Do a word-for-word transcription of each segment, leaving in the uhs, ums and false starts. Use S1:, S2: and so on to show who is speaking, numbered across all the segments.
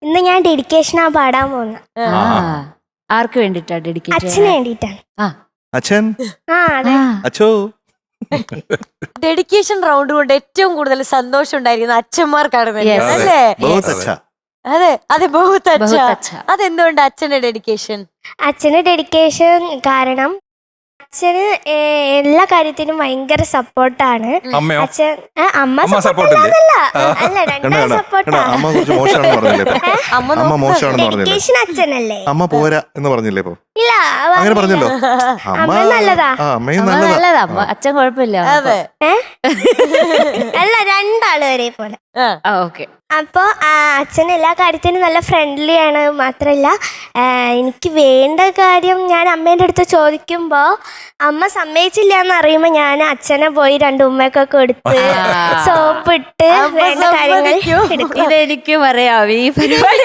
S1: ഇന്ന് ഞാൻ ഡെഡിക്കേഷനാ പാടാൻ പോകുന്നത്.
S2: ആർക്ക് വേണ്ടിട്ടാ ഡെഡിക്കേഷൻ?
S1: അച്ഛന് വേണ്ടിട്ടാണ്.
S3: അച്ഛൻ
S1: ആ അതെ.
S3: അച്ഛോ
S4: ഡെഡിക്കേഷൻ റൗണ്ട് കൊണ്ട് ഏറ്റവും കൂടുതൽ സന്തോഷം ഉണ്ടായിരിക്കുന്ന അച്ഛന്മാർക്കാണ്
S2: Yes.
S4: അല്ലേ?
S3: ബഹുത് അച്ഛാ.
S4: അതെ അതെ ബഹുത് അച്ഛ.
S2: ബഹുത് അച്ഛ.
S4: അതെന്തുകൊണ്ട് അച്ഛന്റെ ഡെഡിക്കേഷൻ?
S1: അച്ഛന് ഡെഡിക്കേഷൻ കാരണം അച്ഛന് ഏ, എല്ലാ കാര്യത്തിനും ഭയങ്കര സപ്പോർട്ടാണ്.
S5: അമ്മയോ?
S1: അച്ഛൻ ആ, അമ്മ
S5: അമ്മ support
S1: സപ്പോർട്ടല്ല
S5: ഇല്ലേ?
S1: അല്ല
S3: കണ്ട
S1: രണ്ടാം
S3: കണ്ട
S1: സപ്പോർട്ടാ.
S3: കണ്ട അമ്മ കുറച്ച് മോശമാണെന്ന് പറഞ്ഞില്ലേ ഇപ്പൊ?
S4: അമ്മ
S3: അമ്മ
S4: നോക്കുന്നത്.
S3: മോശമാണെന്ന് പറഞ്ഞില്ലേ?
S1: ഡെഡിക്കേഷൻ അച്ഛനല്ലേ?
S3: അമ്മ പോരാ എന്ന് പറഞ്ഞില്ലേ ഇപ്പൊ?
S1: ഇല്ല
S3: അങ്ങനെ പറഞ്ഞല്ലോ.
S1: അമ്മ നല്ലതാ.
S3: ആ അമ്മയും
S2: അമ്മ
S3: നല്ലതാ.
S2: നല്ലതാ, അമ്മ അച്ഛൻ കുഴപ്പമില്ല.
S4: അതെ
S1: അല്ല രണ്ടാള് ഒരേ പോലെ.
S4: ആ.
S2: ഓക്കെ.
S1: അപ്പോൾ അച്ഛൻ എല്ലാ കാര്യത്തിനും നല്ല ഫ്രണ്ട്ലി ആണ്. മാത്രമല്ല ആ, എനിക്ക് വേണ്ട കാര്യം ഞാൻ അമ്മേൻ്റെ അടുത്ത് ചോദിക്കുമ്പോൾ അമ്മ സമ്മതിച്ചില്ല എന്ന് അറിയുമ്പോൾ ഞാൻ അച്ഛനെ പോയി രണ്ട് ഉമ്മയൊക്കെ കൊടുത്ത് സോപ്പ് ഇട്ട്
S4: അമ്മ
S1: വേണ്ട കാര്യങ്ങൾ
S4: സമ്മതിക്കോ?
S1: എടുക്കും.
S2: ഇതെനിക്കും അറിയാം ഈ പരിപാടി.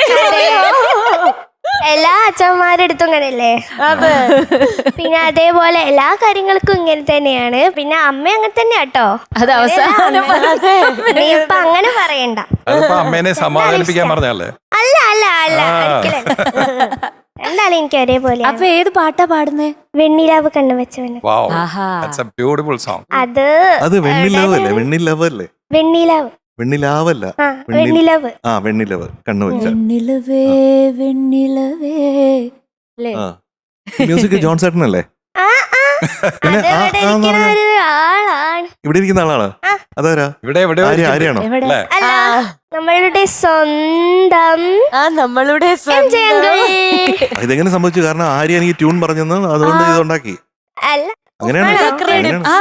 S1: എല്ലാ അച്ഛന്മാരെടുത്തും ഇങ്ങനെയല്ലേ?
S4: അതെ
S1: പിന്നെ അതേപോലെ എല്ലാ കാര്യങ്ങൾക്കും ഇങ്ങനെ തന്നെയാണ്. പിന്നെ അമ്മ അങ്ങനെ തന്നെയാ കേട്ടോ.
S2: അത് അവസാനം
S1: നീ ഇപ്പൊ അങ്ങനെ പറയണ്ട.
S5: അതിപ്പോ അമ്മേനെ സമാധാനിപ്പിക്കാൻ പറഞ്ഞല്ലേ?
S1: അല്ല അല്ല അല്ല ഒരിക്കലല്ല. എന്തായാലും എനിക്ക് ഒരേപോലെ
S2: അപ്പൊ ഏത് പാട്ടാ പാടുന്നേ?
S1: വെണ്ണിലാവ് കണ്ണു വെച്ചവന്.
S5: വാവ്,
S2: ആഹാ.
S5: That's a beautiful song.
S1: അത്
S3: അത് വെണ്ണിലവ് അല്ലേ? വെണ്ണിലവ് അല്ലേ?
S1: വെണ്ണിലാവ്.
S3: വെണ്ണിലാവല്ല.
S1: ആ
S3: വെണ്ണി-
S1: വെണ്ണിലാവ്.
S3: ആ വെണ്ണിലവ് കണ്ണു വെച്ച.
S2: വെണ്ണിലവേ വെണ്ണിലവേ അല്ലേ?
S3: ആ മ്യൂസിക് ജോൺ ചേട്ടനല്ലേ?
S1: ആ ആ
S3: പിന്നെ
S1: അത്
S3: ആ,
S1: ഇവിടെ
S3: ആ എന്ന്
S1: ഇരിക്കുന്ന
S3: പറഞ്ഞാ-
S1: ഒരു ആളാണ്.
S3: ഇവിടെ ഇരിക്കുന്ന ആളാണ്.
S1: ആ.
S3: അതാരാ?
S5: ഇവിടെ എവിടെയോ
S3: ആര്യ
S5: ഇരിക്കുന്നു.
S3: ആര്യാണോ?
S2: എവിടെ?
S5: അല്ലേ?
S1: അല്ല
S4: ആ.
S1: നമ്മളുടെ സ്വന്തം
S4: ആ നമ്മളുടെ
S1: എം ജെ
S4: സ്വന്തം.
S1: അങ്കിൾ.
S3: ഇതെങ്ങനെ സംഭവിച്ചു? കാരണം ആര്യ എനിക്ക് ട്യൂൺ പറഞ്ഞെന്ന് അതുകൊണ്ട് ഇത് ഉണ്ടാക്കി.
S1: അല്ല
S3: അങ്ങനെയാണ്
S1: ആണോ?
S3: അങ്ങനെയാണ്.
S2: ആ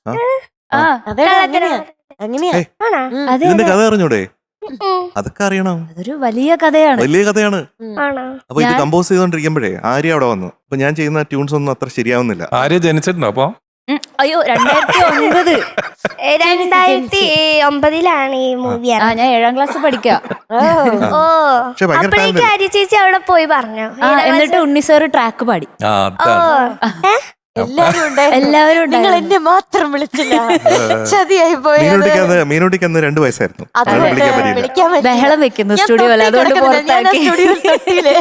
S3: ആ.
S2: ആ
S4: അതെ അങ്ങനെയാ അങ്ങനെയാ
S3: ഏയ്.
S1: ആണോ?
S4: ഉം.
S2: അതെ
S3: ഇതിന്റെ
S2: അതെ.
S3: കഥ അറിഞ്ഞൂടെ?
S1: ഉം.
S3: അതൊക്കെ അറിയണം.
S2: അതൊരു വലിയ കഥയാണ്.
S3: വലിയ കഥയാണ്.
S1: ആണോ?
S3: അപ്പൊ ഇത്
S2: ഞാൻ-
S3: കമ്പോസ് ചെയ്തോണ്ടിരിക്കുമ്പോഴേ ആര്യ അവിടെ വന്നു. അപ്പൊ ഞാൻ ചെയ്യുന്ന ട്യൂൺസ് ഒന്നും അത്ര ശരിയാവുന്നില്ല.
S5: ആര്യ ജനിച്ചിട്ടുണ്ടോ അപ്പൊ?
S2: ഉം, അയ്യോ രണ്ടായിരത്തി ഒൻപത്.
S1: ഏ, രണ്ടായിരത്തി ഒമ്പതിലാണ് ഈ മൂവി.
S2: ആ ഞാൻ ഏഴാം ക്ലാസ് പഠിക്കാം.
S4: ഓ.
S1: ഓ
S3: പക്ഷെ ഭയങ്കര
S1: അപ്പോഴേക്ക്
S3: talent.
S1: ആര്യ ചേച്ചി അവിടെ പോയി പറഞ്ഞു.
S2: ആ എന്നിട്ട് ഉണ്ണി സാറ് ട്രാക്ക് പാടി.
S5: ആ,
S1: ഓ
S5: അതാണ്.
S1: ഏ?
S4: എല്ലാരും ഉണ്ടായിരുന്നു.
S2: എല്ലാവരും
S4: നിങ്ങൾ
S2: ഉണ്ടായിരുന്നു.
S4: എന്നെ മാത്രം വിളിച്ചില്ല. ചതിയായി പോയത്.
S3: മീനൂട്ടിക്ക് അന്ന് മീനൂട്ടിക്ക് അന്ന് രണ്ടു വയസ്സായിരുന്നു.
S4: അത്
S3: അവളെ വിളിക്കാൻ പറ്റിയില്ല.
S4: വിളിക്കാൻ പറ്റില്ല.
S2: ബഹളം വെക്കുന്നു
S4: ഞാൻ
S2: സ്റ്റുഡിയോയിൽ,
S4: തൊട്ടി
S2: അതുകൊണ്ട്
S4: കിടക്കുന്നില്ല. ഞാൻ ആ
S2: പുറത്താക്കി.
S4: സ്റ്റുഡിയോയിൽ തൊട്ടിയില്ലേ?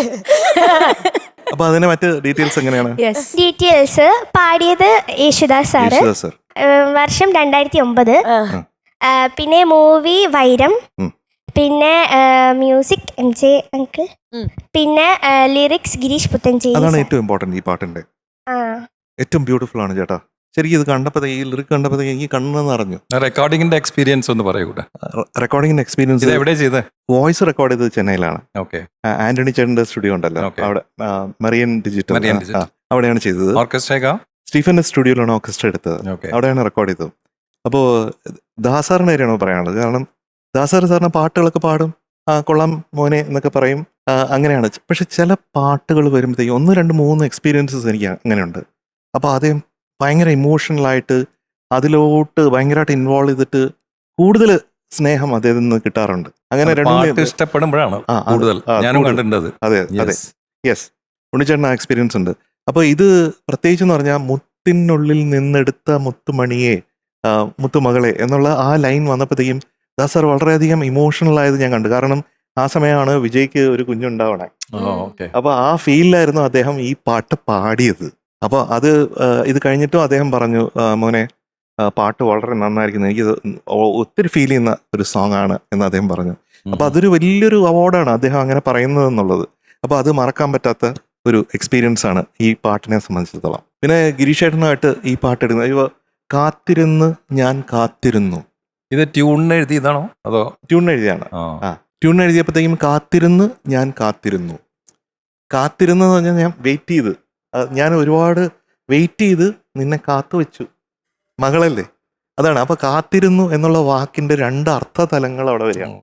S3: അപ്പൊ അതിന്റെ മറ്റ് ഡീറ്റെയിൽസ് എങ്ങനെയാണ്?
S2: യെസ്.
S1: ഡീറ്റെയിൽസ് പാടിയത് യേശുദാസ് സാറ്.
S3: യേശുദാസ് സർ.
S1: ഏ, വർഷം രണ്ടായിരത്തി ഒമ്പത്.
S4: ആ.
S1: ആ, പിന്നെ മൂവി വൈരം.
S3: ഉം.
S1: പിന്നെ മ്യൂസിക് എം ജെ അങ്കിൾ.
S4: ഉം.
S1: പിന്നെ ലിറിക്സ് ഗിരീഷ് പുത്തഞ്ചേരി
S3: അതാണ്
S1: സാർ.
S3: ഏറ്റവും ഇമ്പോർട്ടന്റ് ഈ പാട്ടിന്റെ.
S1: ആ
S3: ഏറ്റവും ബ്യൂട്ടിഫുൾ ആണ് ചേട്ടാ. ശരിക്കും ഇത് കണ്ടപ്പോഴത്തേ ഈ ലിറിക് കണ്ടപ്പോഴത്തേക്ക് എനിക്ക് കണ്ണെന്ന് അറിഞ്ഞു.
S5: റെക്കോർഡിംഗിന്റെ എക്സ്പീരിയൻസ് ഒന്ന് പറയൂട്ടെ.
S3: റെക്കോർഡിംഗിന്റെ എക്സ്പീരിയൻസ്
S5: ഇത് എവിടെ ചെയ്തേ?
S3: വോയിസ് റെക്കോർഡ് ചെയ്തത് ചെന്നൈയിലാണ്.
S5: ഓക്കെ.
S3: ആ, ആന്റണി ചേട്ടന്റെ സ്റ്റുഡിയോ ഉണ്ടല്ലോ
S5: Okay.
S3: അവിടെ. ആ, മറിയൻ ഡിജിറ്റൽ.
S5: മറിയൻ
S3: ആ,
S5: ഡിജിറ്റൽ.
S3: ആ, അവിടെയാണ് ചെയ്തത്.
S5: ഓർക്കസ്ട്രേക്കാ?
S3: സ്റ്റീഫന്റെ സ്റ്റുഡിയോയിലാണ് ഓർക്കസ്ട്ര എടുത്തത്.
S5: ഓക്കെ.
S3: അവിടെയാണ് റെക്കോർഡ് ചെയ്തത്. അപ്പോൾ ദാസാറിന്റെ കാര്യമാണോ പറയാനുള്ളത്? കാരണം ദാസാർ സാറിന് പാട്ടുകളൊക്കെ പാടും. ആ കൊള്ളാം മോനെ എന്നൊക്കെ പറയും. ആ, അങ്ങനെയാണ്. പക്ഷെ ചില പാട്ടുകൾ വരുമ്പോഴത്തേക്കും ഒന്ന് രണ്ട് മൂന്ന് എക്സ്പീരിയൻസസ് എനിക്ക് അങ്ങനെയുണ്ട്. അപ്പോൾ അദ്ദേഹം ഭയങ്കര ഇമോഷണലായിട്ട് അതിലോട്ട് ഭയങ്കരമായിട്ട് ഇൻവോൾവ് ചെയ്തിട്ട് കൂടുതൽ സ്നേഹം അദ്ദേഹത്തിൽ നിന്ന് കിട്ടാറുണ്ട്. അങ്ങനെ
S5: പാട്ട്
S3: രണ്ട്
S5: ഇഷ്ടപ്പെടുമ്പോഴാണ്
S3: ആ, അത്
S5: കൂടുതൽ.
S3: ആ,
S5: ഞാനും
S3: കൂടുതൽ.
S5: കണ്ടിട്ടുണ്ട് അത്.
S3: അതെ അതെ
S5: Yes.
S3: യെസ് ഉണ്ണിച്ചേട്ടൻ ആ എക്സ്പീരിയൻസ് ഉണ്ട്. അപ്പോൾ ഇത് പ്രത്യേകിച്ച് എന്ന് പറഞ്ഞാൽ മുത്തിനുള്ളിൽ നിന്നെടുത്ത മുത്തുമണിയെ ആ, മുത്തുമകളെ എന്നുള്ള ആ ലൈൻ വന്നപ്പോഴത്തേക്കും ദാസ് സാർ വളരെയധികം ഇമോഷണൽ ആയത് ഞാൻ കണ്ടു. കാരണം ആ സമയമാണ് വിജയ്ക്ക് ഒരു കുഞ്ഞുണ്ടാവണേ.
S5: ഓ, ഓക്കെ.
S3: അപ്പോൾ ആ ഫീലിലായിരുന്നു അദ്ദേഹം ഈ പാട്ട് പാടിയത്. അപ്പോൾ അത് ആ, ഇത് കഴിഞ്ഞിട്ടും അദ്ദേഹം പറഞ്ഞു, "ആ, മോനെ ആ, പാട്ട് വളരെ നന്നായിരിക്കുന്നു, എനിക്കിത് ഒ- ഒത്തിരി ഫീൽ ചെയ്യുന്ന ഒരു സോങ് ആണ്" എന്ന് അദ്ദേഹം പറഞ്ഞു. അപ്പോൾ അതൊരു വലിയൊരു അവാർഡാണ് അദ്ദേഹം അങ്ങനെ പറയുന്നത് എന്നുള്ളത്. അപ്പോൾ അത് മറക്കാൻ പറ്റാത്ത ഒരു എക്സ്പീരിയൻസ് ആണ് ഈ പാട്ടിനെ സംബന്ധിച്ചിടത്തോളം. പിന്നെ ഗിരീഷേട്ടനുമായിട്ട് ഈ പാട്ട് എടുക്കുന്നത് ഇവ കാത്തിരുന്ന് ഞാൻ കാത്തിരുന്നു.
S5: ഇത് ട്യൂണിന് എഴുതിയതാണോ അതോ?
S3: ട്യൂൺ എഴുതിയാണ്.
S5: ആ.
S3: ആ ട്യൂൺ എഴുതിയപ്പോഴത്തേക്കും കാത്തിരുന്ന് ഞാൻ കാത്തിരുന്നു. കാത്തിരുന്ന് എന്ന് പറഞ്ഞാൽ ഞാൻ വെയിറ്റ് ചെയ്ത്, ആ, ഞാൻ ഒരുപാട് വെയിറ്റ് ചെയ്ത് നിന്നെ കാത്തു വെച്ചു മകളല്ലേ, അതാണ്. അപ്പൊ കാത്തിരുന്നു എന്നുള്ള വാക്കിന്റെ രണ്ട് അർത്ഥതലങ്ങൾ അവിടെ വരികയാണ്.